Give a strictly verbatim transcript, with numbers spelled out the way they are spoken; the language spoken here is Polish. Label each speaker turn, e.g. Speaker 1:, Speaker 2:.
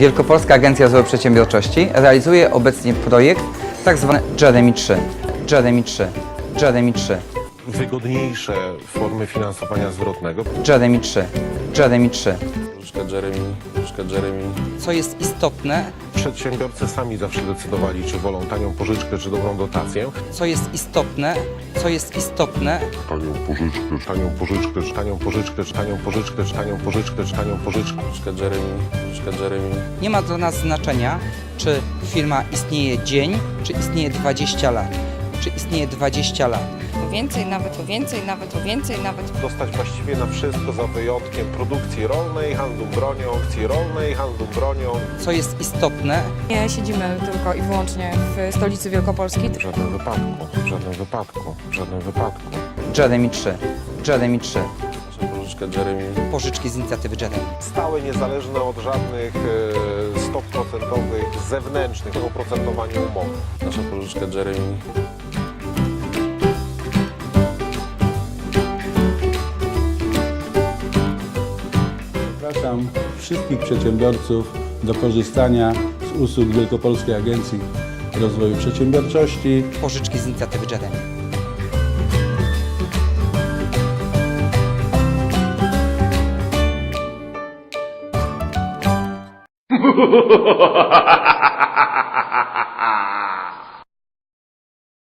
Speaker 1: Wielkopolska Agencja Rozwoju Przedsiębiorczości realizuje obecnie projekt tzw. Jeremy trzy. Jeremy trzy. Jeremy trzy.
Speaker 2: Wygodniejsze formy finansowania zwrotnego.
Speaker 1: Jeremy trzy. Jeremy trzy.
Speaker 3: Pożyczka Jeremy, pożyczka Jeremy.
Speaker 1: Co jest istotne,
Speaker 2: Przedsiębiorcy sami zawsze decydowali, czy wolą tanią pożyczkę, czy dobrą dotację.
Speaker 1: co jest istotne, co jest istotne,
Speaker 2: Tanią pożyczkę, czy tanią pożyczkę, czy tanią pożyczkę, czy tanią pożyczkę, czy tanią pożyczkę, czy tanią pożyczkę.
Speaker 3: Pożyczka Jeremy, pożyczka Jeremy.
Speaker 1: nie ma dla nas znaczenia, czy firma istnieje dzień, czy istnieje dwadzieścia lat, czy istnieje dwadzieścia lat.
Speaker 4: O więcej, nawet o więcej, nawet o więcej, nawet
Speaker 2: Dostać właściwie na wszystko za wyjątkiem produkcji rolnej, handlu bronią, akcji rolnej, handlu bronią.
Speaker 1: Co jest istotne,
Speaker 4: nie siedzimy tylko i wyłącznie w stolicy Wielkopolski.
Speaker 2: W żadnym wypadku, w żadnym wypadku, w żadnym wypadku.
Speaker 1: Jeremy trzy. Jeremy trzy.
Speaker 3: Nasza pożyczka Jeremy.
Speaker 1: Pożyczki z inicjatywy Jeremy.
Speaker 2: Stałe, niezależne od żadnych e, stóp procentowych zewnętrznych o oprocentowaniu umowy.
Speaker 3: Nasza pożyczka Jeremy.
Speaker 5: Zapraszam wszystkich przedsiębiorców do korzystania z usług Wielkopolskiej Agencji Rozwoju Przedsiębiorczości.
Speaker 1: Pożyczki z inicjatywy Jeremy.